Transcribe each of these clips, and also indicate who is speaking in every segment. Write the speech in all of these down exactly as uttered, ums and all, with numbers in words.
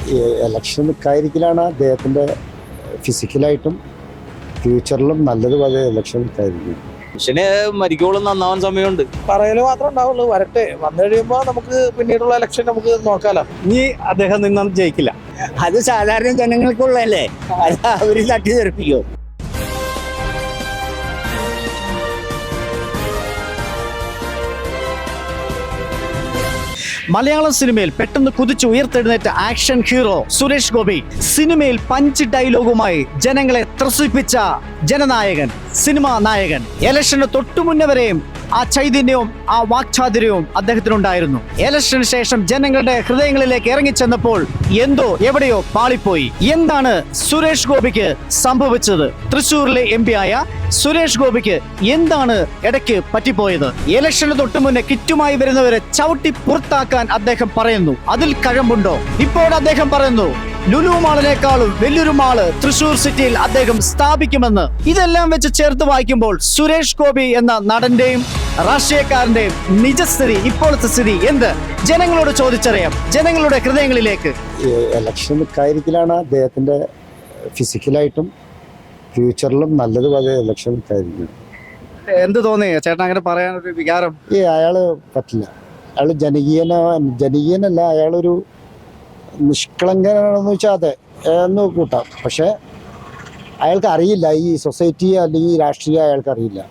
Speaker 1: Election നിൽക്കാതിരിക്കലാണ് അദ്ദേഹത്തിൻ്റെ ഫിസിക്കലായിട്ടും ഫ്യൂച്ചറിലും നല്ലത് പോലെ ഇലക്ഷൻ നിൽക്കാതിരിക്കും.
Speaker 2: മനുഷ്യന് മരിക്കോളം നന്നാവാൻ സമയമുണ്ട്.
Speaker 3: പറയല് മാത്രമേ ഉണ്ടാവുള്ളൂ. വരട്ടെ, വന്നു കഴിയുമ്പോൾ നമുക്ക് പിന്നീടുള്ള ഇലക്ഷൻ നമുക്ക് നോക്കാലോ.
Speaker 4: ഇനി അദ്ദേഹം നിന്നും ജയിക്കില്ല.
Speaker 5: അത് സാധാരണ ജനങ്ങൾക്കുള്ളതല്ലേ, അത് അവര് തട്ടി തെറിപ്പിക്കും.
Speaker 4: മലയാളം സിനിമയിൽ പെട്ടെന്ന് കുതിച്ചു ഉയർത്തെഴുന്നേറ്റ ആക്ഷൻ ഹീറോ സുരേഷ് ഗോപി സിനിമയിൽ പഞ്ച് ഡയലോഗുമായി ജനങ്ങളെ ത്രസിപ്പിച്ച ജനനായകൻ, സിനിമാ നായകൻ. ഇലക്ഷന് തൊട്ടുമുന്നേ വരെയും ആ ചൈതന്യവും ആ വാക്ചാതുര്യവും അദ്ദേഹത്തിനുണ്ടായിരുന്നു. ഇലക്ഷന് ശേഷം ജനങ്ങളുടെ ഹൃദയങ്ങളിലേക്ക് ഇറങ്ങിച്ചെന്നപ്പോൾ എന്തോ എവിടെയോ പാളിപ്പോയി. എന്താണ് സുരേഷ് ഗോപിക്ക് സംഭവിച്ചത്? തൃശ്ശൂരിലെ എം പി ആയ സുരേഷ് ഗോപിക്ക് എന്താണ് ഇടയ്ക്ക് പറ്റിപ്പോയത്? ഇലക്ഷന് തൊട്ടു മുന്നേ കിറ്റുമായി വരുന്നവരെ ചവിട്ടി പുറത്താക്കാൻ അദ്ദേഹം പറയുന്നു. അതിൽ കഴമ്പുണ്ടോ? ഇപ്പോൾ അദ്ദേഹം പറയുന്നു ലുലു മാളിനേക്കാളും വലിയൊരു മാള് തൃശ്ശൂർ സിറ്റിയിൽ അദ്ദേഹം സ്ഥാപിക്കുമെന്ന്. ഇതെല്ലാം വെച്ച് ചേർത്ത് വായിക്കുമ്പോൾ സുരേഷ് ഗോപി എന്ന നടന്റെയും രാഷ്ട്രീയക്കാരന്റെയും നിജസ്ഥിതി, ഇപ്പോഴത്തെ സ്ഥിതി എന്ത്? ജനങ്ങളോട് ചോദിച്ചറിയാം, ജനങ്ങളുടെ ഹൃദയങ്ങളിലേക്ക്.
Speaker 1: ഇലക്ഷൻ നിൽക്കാതിരിക്കലാണ് അദ്ദേഹത്തിൻ്റെ ഫിസിക്കലായിട്ടും ഫ്യൂച്ചറിലും നല്ലത് പോലെ ഇലക്ഷൻ നിൽക്കാതിരിക്കും.
Speaker 4: എന്ത് തോന്നി ചേട്ടൻ അങ്ങനെ പറയാനൊരു വികാരം?
Speaker 1: ഈ അയാള് പറ്റില്ല. അയാൾ ജനകീയന ജനകീയനല്ല, അയാളൊരു നിഷ്കളങ്കനാണെന്ന് വെച്ചാൽ അതെ എന്ന് കൂട്ടാം. പക്ഷെ അയാൾക്ക് അറിയില്ല ഈ സൊസൈറ്റി അല്ലെങ്കിൽ രാഷ്ട്രീയം അയാൾക്ക് അറിയില്ല.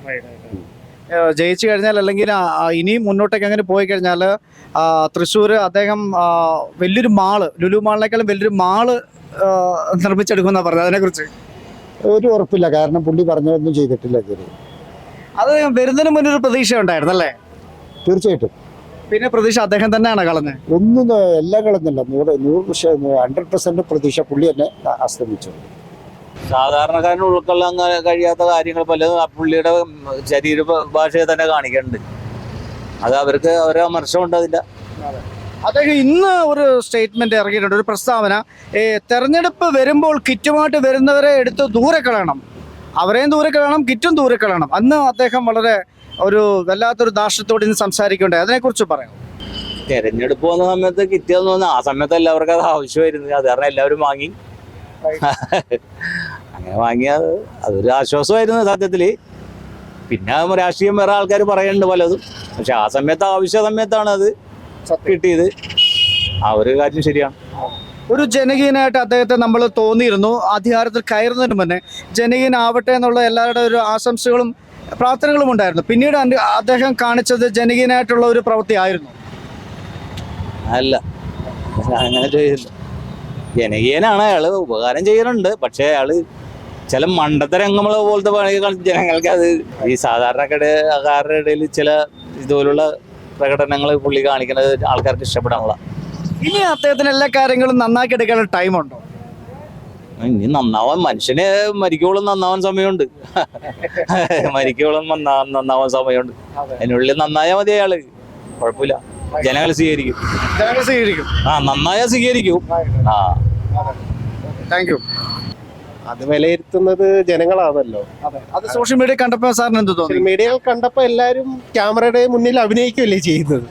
Speaker 4: ജയിച്ചു കഴിഞ്ഞാൽ അല്ലെങ്കിൽ ഇനിയും മുന്നോട്ടേക്ക് അങ്ങനെ പോയി കഴിഞ്ഞാൽ തൃശ്ശൂർ അദ്ദേഹം വലിയൊരു മാള്, ലുലു മാളിനേക്കാളും വലിയൊരു മാള് നിർമ്മിച്ചെടുക്കുമെന്നാണ് പറഞ്ഞത്. അതിനെക്കുറിച്ച്
Speaker 1: ഒരു ഉറപ്പില്ല, കാരണം പുള്ളി പറഞ്ഞതൊന്നും ചെയ്തിട്ടില്ല ഇതുവരെ.
Speaker 4: അത് വരുന്നതിന് മുന്നേ ഒരു പ്രതീക്ഷ ഉണ്ടായിരുന്നല്ലേ?
Speaker 1: തീർച്ചയായിട്ടും.
Speaker 4: പിന്നെ പ്രതീക്ഷ അദ്ദേഹം തന്നെയാണ് കളഞ്ഞത്.
Speaker 1: ഒന്നും എല്ലാം കളഞ്ഞില്ല. നൂറ് നൂറ് പക്ഷേ ഹൺഡ്രഡ് പെർസെന്റ് പ്രതീക്ഷ പുള്ളി തന്നെ അസ്തമിച്ചു.
Speaker 2: സാധാരണക്കാരന് ഉൾക്കൊള്ളാൻ കഴിയാത്ത കാര്യങ്ങൾ പലതും പുള്ളിയുടെ ശരീര ഭാഷയെ തന്നെ കാണിക്കുന്നുണ്ട്. അത് അവർക്ക് അവരെ വിമർശനമുണ്ട്. അതില്ല,
Speaker 4: അദ്ദേഹം ഇന്ന് ഒരു സ്റ്റേറ്റ്മെന്റ് ഇറങ്ങിയിട്ടുണ്ട്, ഒരു പ്രസ്താവന. തെരഞ്ഞെടുപ്പ് വരുമ്പോൾ കിറ്റുമായിട്ട് വരുന്നവരെ എടുത്ത് ദൂരെ കളയണം, അവരെയും ദൂരെ കളയണം, കിറ്റും ദൂരെ കളയണം. അന്ന് അദ്ദേഹം വളരെ ഒരു വല്ലാത്തൊരു ദാർഷ്ട്യത്തോടെ ഇന്ന് സംസാരിക്കണ്ടേ, അതിനെക്കുറിച്ച് പറയാം.
Speaker 2: തെരഞ്ഞെടുപ്പ് വന്ന സമയത്ത് കിറ്റിയെന്ന് തോന്നുന്നു ആ സമയത്ത് എല്ലാവർക്കും അത് ആവശ്യമായിരുന്നു. അത് കാരണം എല്ലാവരും വാങ്ങി. അങ്ങനെ വാങ്ങിയത് അതൊരു ആശ്വാസമായിരുന്നു സത്യത്തില്. പിന്നെ രാഷ്ട്രീയം വേറെ ആൾക്കാർ പറയുന്നുണ്ട് പലതും. പക്ഷെ ആ സമയത്ത് ആവശ്യ സമയത്താണ് അത് കിട്ടിയത്. ആ ഒരു കാര്യം ശരിയാണ്.
Speaker 4: ഒരു ജനകീയനായിട്ട് അദ്ദേഹത്തെ നമ്മൾ തോന്നിയിരുന്നു. അധികാരത്തിൽ കയറുന്നതിന് മുന്നേ ജനകീയനാവട്ടെ എന്നുള്ള എല്ലാവരുടെ ഒരു ആശംസകളും പ്രാർത്ഥനകളും ഉണ്ടായിരുന്നു. പിന്നീട് അദ്ദേഹം കാണിച്ചത് ജനകീയനായിട്ടുള്ള ഒരു പ്രവൃത്തി ആയിരുന്നു
Speaker 2: അല്ല, അങ്ങനെ ചെയ്തില്ല. ജനകീയനാണ് അയാള്, ഉപകാരം ചെയ്യുന്നുണ്ട്. പക്ഷെ അയാള് ചില മണ്ടത്തരംഗങ്ങൾ പോലത്തെ പണികൾ ജനങ്ങൾക്ക് അത് ഈ സാധാരണക്കാരുടെ ഇടയിൽ ചില ഇതുപോലുള്ള പ്രകടനങ്ങൾ പുള്ളി കാണിക്കുന്നത് ആൾക്കാർക്ക് ഇഷ്ടപ്പെടാനുള്ള.
Speaker 4: ഇനി അദ്ദേഹത്തിന് എല്ലാ കാര്യങ്ങളും നന്നാക്കി എടുക്കാനുള്ള ടൈമുണ്ടോ?
Speaker 2: ഇനി നന്നാവാൻ, മനുഷ്യന് മരിക്കോളം നന്നാവാൻ സമയമുണ്ട്. മരിക്കോളം നന്നാവാൻ സമയമുണ്ട്. അതിനുള്ളിൽ നന്നായാൽ മതി അയാള്, കുഴപ്പമില്ല. ജനങ്ങൾ സ്വീകരിക്കും.
Speaker 4: ജനങ്ങൾ സ്വീകരിക്കും.
Speaker 2: ആ, നന്നായാൽ സ്വീകരിക്കും. ആ,
Speaker 4: താങ്ക് യു.
Speaker 3: അത് വിലയിരുത്തുന്നത് ജനങ്ങളാണല്ലോ.
Speaker 4: അത് സോഷ്യൽ മീഡിയ കണ്ടപ്പോ സാറിന് എന്ത് തോന്നി?
Speaker 3: സോഷ്യൽ മീഡിയകൾ കണ്ടപ്പോ എല്ലാരും ക്യാമറയുടെ മുന്നിൽ അഭിനയിക്കുകയല്ലേ ചെയ്യുന്നത്.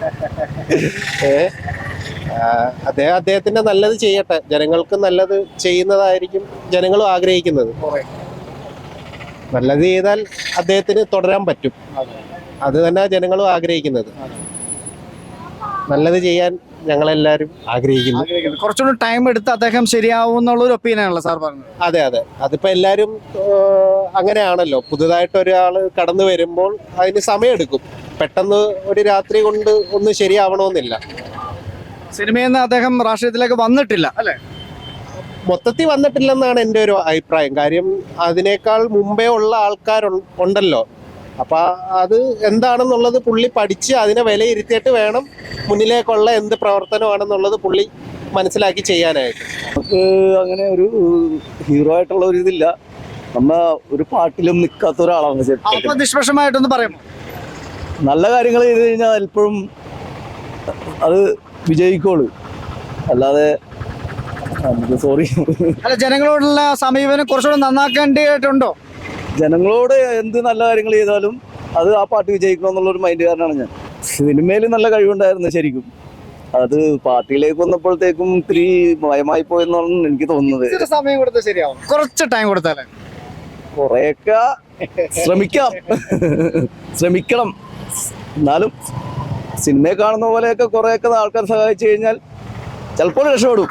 Speaker 3: അദ്ദേഹം അദ്ദേഹത്തിന്റെ നല്ലത് ചെയ്യട്ടെ, ജനങ്ങൾക്ക് നല്ലത് ചെയ്യുന്നതായിരിക്കും ജനങ്ങളും ആഗ്രഹിക്കുന്നത്. നല്ലത് ചെയ്താൽ അദ്ദേഹത്തിന് തുടരാൻ പറ്റും. അത് തന്നെ ജനങ്ങളും ആഗ്രഹിക്കുന്നത്. നല്ലത് ചെയ്യാൻ ഞങ്ങളെല്ലാരും ആഗ്രഹിക്കുന്നു.
Speaker 4: കുറച്ചുകൂടി ടൈം എടുത്ത് അദ്ദേഹം ശരിയാവും എന്നുള്ള ഒരു ഒപ്പീനിയൻ ആണല്ലോ സാർ പറഞ്ഞത്.
Speaker 3: അതെ അതെ, അതിപ്പോ എല്ലാരും അങ്ങനെയാണല്ലോ. പുതുതായിട്ട് ഒരാൾ കടന്നു വരുമ്പോൾ അതിന് സമയമെടുക്കും. പെട്ടെന്ന് ഒരു രാത്രി കൊണ്ട് ഒന്നും ശരിയാവണമെന്നില്ല.
Speaker 4: സിനിമയിൽ നിന്ന് അദ്ദേഹം രാഷ്ട്രീയത്തിലേക്ക് വന്നിട്ടില്ല അല്ലെ?
Speaker 3: മൊത്തത്തിൽ വന്നിട്ടില്ലെന്നാണ് എൻ്റെ ഒരു അഭിപ്രായം. കാര്യം അതിനേക്കാൾ മുമ്പേ ഉള്ള ആൾക്കാരുണ്ടല്ലോ. അപ്പൊ അത് എന്താണെന്നുള്ളത് പുള്ളി പഠിച്ച് അതിനെ വിലയിരുത്തിയിട്ട് വേണം മുന്നിലേക്കുള്ള എന്ത് പ്രവർത്തനമാണെന്നുള്ളത് പുള്ളി മനസ്സിലാക്കി ചെയ്യാനായിട്ട്.
Speaker 6: നമുക്ക് അങ്ങനെ ഒരു ഹീറോ ആയിട്ടുള്ള ഒരു ഇതില്ല. നമ്മ ഒരു പാട്ടിലും നിൽക്കാത്ത ഒരാളാണ്.
Speaker 4: നിഷ്പക്ഷമായിട്ടൊന്ന് പറയാമോ?
Speaker 6: നല്ല കാര്യങ്ങൾ ചെയ്ത് കഴിഞ്ഞാൽ എപ്പോഴും അത് വിജയിക്കോളൂ, അല്ലാതെ സോറി
Speaker 4: അല്ല, ജനങ്ങളോടുള്ള സമീപനം കുറച്ചുകൂടെ നന്നാക്കേണ്ടതായിട്ടുണ്ടോ?
Speaker 6: ജനങ്ങളോട് എന്ത് നല്ല കാര്യങ്ങൾ ചെയ്താലും അത് ആ പാട്ട് വിജയിക്കണം എന്നുള്ളൊരു മൈൻഡുകാരനാണ് ഞാൻ. സിനിമയിൽ നല്ല കഴിവുണ്ടായിരുന്നു ശരിക്കും. അത് പാർട്ടിയിലേക്ക് വന്നപ്പോഴത്തേക്കും ഇത്തിരി ഭയമായി പോയെന്നാണ് എനിക്ക് തോന്നുന്നത്.
Speaker 4: ഇച്ചിരി സമയം കൊടുത്താൽ ശരിയാവും, കുറച്ച് ടൈം കൊടുത്താലേ.
Speaker 6: കുറെയൊക്കെ ശ്രമിക്കാം, ശ്രമിക്കണം. എന്നാലും സിനിമയെ കാണുന്ന പോലെയൊക്കെ കുറെയൊക്കെ ആൾക്കാർ സഹായിച്ചു കഴിഞ്ഞാൽ ചിലപ്പോൾ രക്ഷപ്പെടും.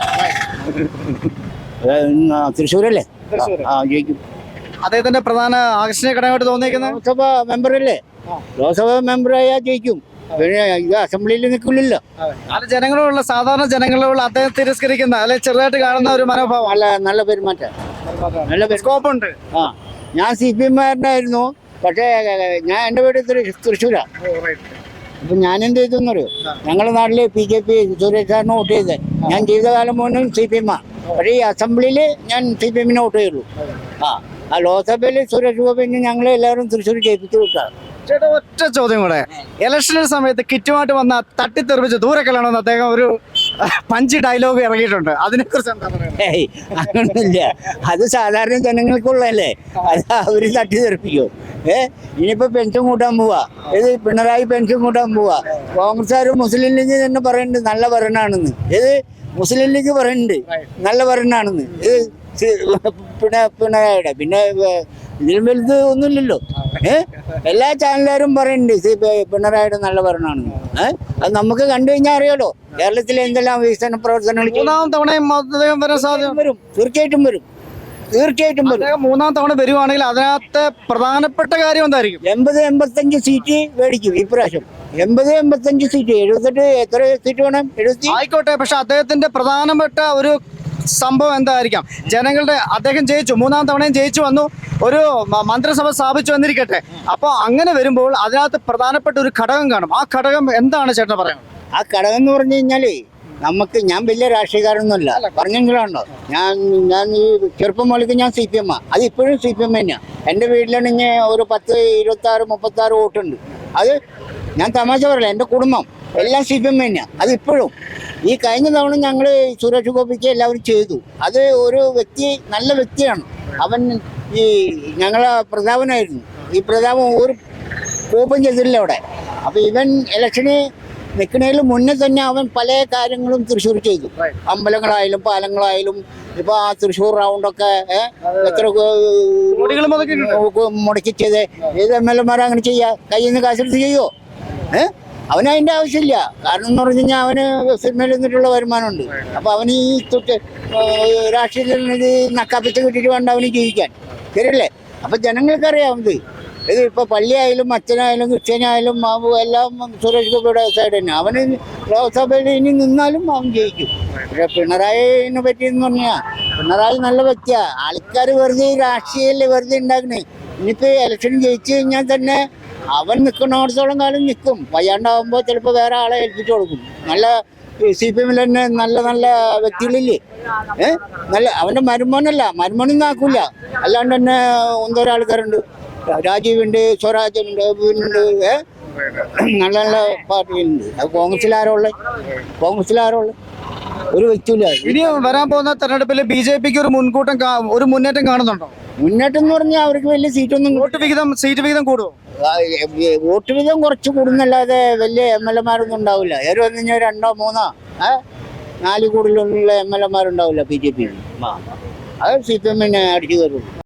Speaker 1: തൃശ്ശൂരല്ലേ?
Speaker 4: തൃശ്ശൂര്.
Speaker 1: ആ ജയിക്കും.
Speaker 4: അദ്ദേഹത്തിന്റെ പ്രധാന ആകർഷണീയ ഘടകമായിട്ട് തോന്നിയിരിക്കുന്നത്
Speaker 1: ലോക്സഭ മെമ്പറല്ലേ? ലോക്സഭ മെമ്പറായാൽ ജയിക്കും. പിന്നെ ഇത് അസംബ്ലിയിൽ നിൽക്കില്ലല്ലോ.
Speaker 4: അത് ജനങ്ങളോടുള്ള സാധാരണ ജനങ്ങളോടുള്ള അദ്ദേഹം തിരസ്കരിക്കുന്ന അല്ലെ ചെറുതായിട്ട് കാണുന്ന ഒരു മനോഭാവം.
Speaker 1: നല്ല നല്ല പെരുമാറ്റം, നല്ല പെരുമാറ്റം.
Speaker 4: സ്കോപ്പ് ഉണ്ട്.
Speaker 1: ആ ഞാൻ സി പി എമ്മാരനായിരുന്നു, പക്ഷേ ഞാൻ എൻ്റെ വീട് തൃ- തൃശ്ശൂരാ. അപ്പൊ ഞാൻ എന്ത് ചെയ്തെന്നറിയോ? ഞങ്ങളുടെ നാട്ടില് ബി ജെ പി സുരേഷ് സാറിന് വോട്ട് ചെയ്തത്. ഞാൻ ജീവിതകാലം മുഴുവൻ സി പി എമ്മാ. പക്ഷേ ഈ അസംബ്ലിയിൽ ഞാൻ സി പി എമ്മിനെ വോട്ട് ചെയ്യുള്ളൂ. ആ ആ ലോക്സഭയിൽ സുരേഷ് ഗോപിനെ ഞങ്ങൾ എല്ലാവരും തൃശ്ശൂർ ജയിപ്പിച്ചു വിട്ടാണ്.
Speaker 4: ചേട്ടാ ഒറ്റ ചോദ്യം കൂടെ, ഇലക്ഷന്റെ സമയത്ത് കിറ്റുമായിട്ട് വന്ന തട്ടിത്തെറിപ്പിച്ച് ദൂരെ കളയണമെന്ന് അദ്ദേഹം ഒരു പഞ്ച് ഡയലോഗ് ഇറങ്ങിയിട്ടുണ്ട്. അതിനെക്കുറിച്ച് എന്താ പറയുക?
Speaker 1: ഏയ് അങ്ങനൊന്നുമില്ല. അത് സാധാരണ ജനങ്ങൾക്കുള്ളതല്ലേ, അത് അവര് തട്ടി തെറിപ്പിക്കും. ഏ ഇനിയിപ്പോ പെൻഷൻ കൂട്ടാൻ പോവാ, ഇത് പിണറായി പെൻഷൻ കൂട്ടാൻ പോവാ. കോൺഗ്രസ്സുകാർ മുസ്ലിം ലീഗ് തന്നെ പറയുന്നുണ്ട് നല്ല ഭരണമാണെന്ന്. ഇത് മുസ്ലിം ലീഗ് പറയുന്നുണ്ട് നല്ല ഭരണമാണെന്ന്. ഇത് പിണ പിണറായിയുടെ പിന്നെ ഇതിലും വലുത് ഒന്നുമില്ലല്ലോ. ഏഹ് എല്ലാ ചാനലുകാരും പറയുന്നുണ്ട് സി പിണറായിയുടെ നല്ല ഭരണമാണെന്ന്. ഏഹ് അത് നമുക്ക് കണ്ടു കഴിഞ്ഞാൽ അറിയാലോ കേരളത്തിലെ എന്തെല്ലാം വികസന പ്രവർത്തനങ്ങൾ
Speaker 4: മൂന്നാം തവണയും അദ്ദേഹം വരാൻ സാധ്യത
Speaker 1: വരും. തീർച്ചയായിട്ടും വരും, തീർച്ചയായിട്ടും വരും.
Speaker 4: അദ്ദേഹം മൂന്നാം തവണ വരുവാണെങ്കിൽ അതിനകത്ത് പ്രധാനപ്പെട്ട കാര്യം എന്തായിരിക്കും?
Speaker 1: എൺപത് എൺപത്തഞ്ച് സീറ്റ് മേടിക്കും ഇപ്രാവശ്യം. എൺപത് എൺപത്തഞ്ച് സീറ്റ്. എഴുപത്തെട്ട് എത്ര സീറ്റ് വേണം? എഴുപത്തി
Speaker 4: ആയിക്കോട്ടെ, പക്ഷെ അദ്ദേഹത്തിന്റെ പ്രധാനപ്പെട്ട ഒരു സംഭവം എന്തായിരിക്കാം? ജനങ്ങളുടെ അദ്ദേഹം ജയിച്ചു, മൂന്നാം തവണയും ജയിച്ചു വന്നു, ഒരു മ- മന്ത്രിസഭ സ്ഥാപിച്ചു വന്നിരിക്കട്ടെ. അപ്പൊ അങ്ങനെ വരുമ്പോൾ അതിനകത്ത് പ്രധാനപ്പെട്ട ഒരു ഘടകം കാണും. ആ ഘടകം എന്താണ് ചേട്ടൻ പറയുന്നത്?
Speaker 1: ആ ഘടകം എന്ന് പറഞ്ഞു കഴിഞ്ഞാല് നമുക്ക്, ഞാൻ വലിയ രാഷ്ട്രീയക്കാരൊന്നുമല്ല, പറഞ്ഞെങ്കിലുണ്ടോ, ഞാൻ ഞാൻ ഈ ചെറുപ്പം മുതലേക്ക് ഞാൻ സി പി എം ആ. അത് ഇപ്പോഴും സി പി എം തന്നെയാണ്. എൻ്റെ വീട്ടിലാണെങ്കിൽ ഒരു പത്ത് ഇരുപത്തി ആറ് മുപ്പത്തി ആറ് വോട്ടുണ്ട്. അത് ഞാൻ തമാശ പറയില്ല, എൻ്റെ കുടുംബം എല്ലാം സി പി എം തന്നെയാണ്. അത് ഇപ്പോഴും. ഈ കഴിഞ്ഞ തവണ ഞങ്ങൾ സുരേഷ് ഗോപിക്ക് എല്ലാവരും ചെയ്തു. അത് ഒരു വ്യക്തി, നല്ല വ്യക്തിയാണ് അവൻ. ഈ ഞങ്ങളെ പ്രതാപനായിരുന്നു. ഈ പ്രതാപം ഒരു കോപ്പം ചെയ്തിട്ടില്ല അവിടെ. അപ്പോൾ ഇവൻ ഇലക്ഷന് നിൽക്കുന്നതിന് മുന്നേ തന്നെ അവൻ പല കാര്യങ്ങളും തൃശ്ശൂർ ചെയ്തു. അമ്പലങ്ങളായാലും പാലങ്ങളായാലും. ഇപ്പൊ ആ തൃശ്ശൂർ റൗണ്ടൊക്കെ എത്ര
Speaker 4: കോടികൾ മുടക്കി
Speaker 1: മുടക്കി ചെയ്ത് ഏത് എം എൽ എമാരും അങ്ങനെ ചെയ്യാ? കയ്യിൽ നിന്ന് കാശെടുത്ത് ചെയ്യുമോ? ഏഹ് അവന് അതിൻ്റെ ആവശ്യമില്ല. കാരണം എന്ന് പറഞ്ഞു കഴിഞ്ഞാൽ അവന് സിനിമയിൽ നിന്നിട്ടുള്ള വരുമാനമുണ്ട്. അപ്പൊ അവന് ഈ തൊട്ട് രാഷ്ട്രീയത്തിൽ ഇത് നക്കാപ്പിച്ച് കിട്ടിയിട്ട് വേണ്ട അവന് ജീവിക്കാൻ. ശരിയല്ലേ? അപ്പൊ ജനങ്ങൾക്കറിയാം ഇത്. ഇത് ഇപ്പൊ പള്ളിയായാലും അച്ഛനായാലും ക്രിസ്ത്യാനായാലും എല്ലാം സുരേഷ് ഗോപിയുടെ സൈഡ് തന്നെ. അവന് ലോക്സഭയിൽ ഇനി നിന്നാലും അവൻ ജയിക്കും. പക്ഷെ പിണറായിനെ പറ്റിയെന്ന് പറഞ്ഞാൽ പിണറായി നല്ല വ്യക്തിയാ. ആൾക്കാർ വെറുതെ രാഷ്ട്രീയല്ലേ വെറുതെ ഉണ്ടാക്കണേ. ഇനിയിപ്പോ ഇലക്ഷൻ ജയിച്ചു കഴിഞ്ഞാൽ തന്നെ അവൻ നിൽക്കുന്നിടത്തോളം കാലം നിൽക്കും. വയ്യാണ്ടാവുമ്പോൾ ചിലപ്പോൾ വേറെ ആളെ ഏൽപ്പിച്ചു കൊടുക്കും. നല്ല സി പി എമ്മിൽ തന്നെ നല്ല നല്ല വ്യക്തികളില്ലേ? ഏഹ് നല്ല അവൻ്റെ മരുമോനല്ല, മരുമോനൊന്നും ആക്കൂല. അല്ലാണ്ട് തന്നെ ഒന്നോരോ ആൾക്കാരുണ്ട്. രാജീവുണ്ട്, സ്വരാജുണ്ട്, ഉണ്ട്. ഏഹ് നല്ല നല്ല പാർട്ടികളുണ്ട്. അത് കോൺഗ്രസിലാരോ ഉള്ളത്? കോൺഗ്രസിലാരോ ഉള്ളത്? ഒരു വ്യക്തിയില്ല.
Speaker 4: ഇനി വരാൻ പോകുന്ന തെരഞ്ഞെടുപ്പിൽ ബി ജെ പിക്ക് ഒരു മുൻകൂട്ടം കാ- ഒരു മുന്നേറ്റം കാണുന്നുണ്ടോ?
Speaker 1: മുന്നേറ്റം എന്ന് പറഞ്ഞാൽ അവർക്ക് വലിയ സീറ്റൊന്നും
Speaker 4: വോട്ട് വിഹിതം, സീറ്റ് വിഹിതം കൂടുമോ?
Speaker 1: ആ, ഏ, വോട്ട് വീതം കുറച്ച് കൂടുന്നല്ലാതെ വലിയ എം എൽ എമാരൊന്നും ഉണ്ടാവില്ല. ഏറെ വന്നു കഴിഞ്ഞാൽ രണ്ടോ മൂന്നോ ഏ നാല് കൂടുതലുള്ള എം എൽ എമാരുണ്ടാവില്ല ബി ജെ പി. അത് സി പി എമ്മിനെ അടിച്ചു കയറുള്ളൂ.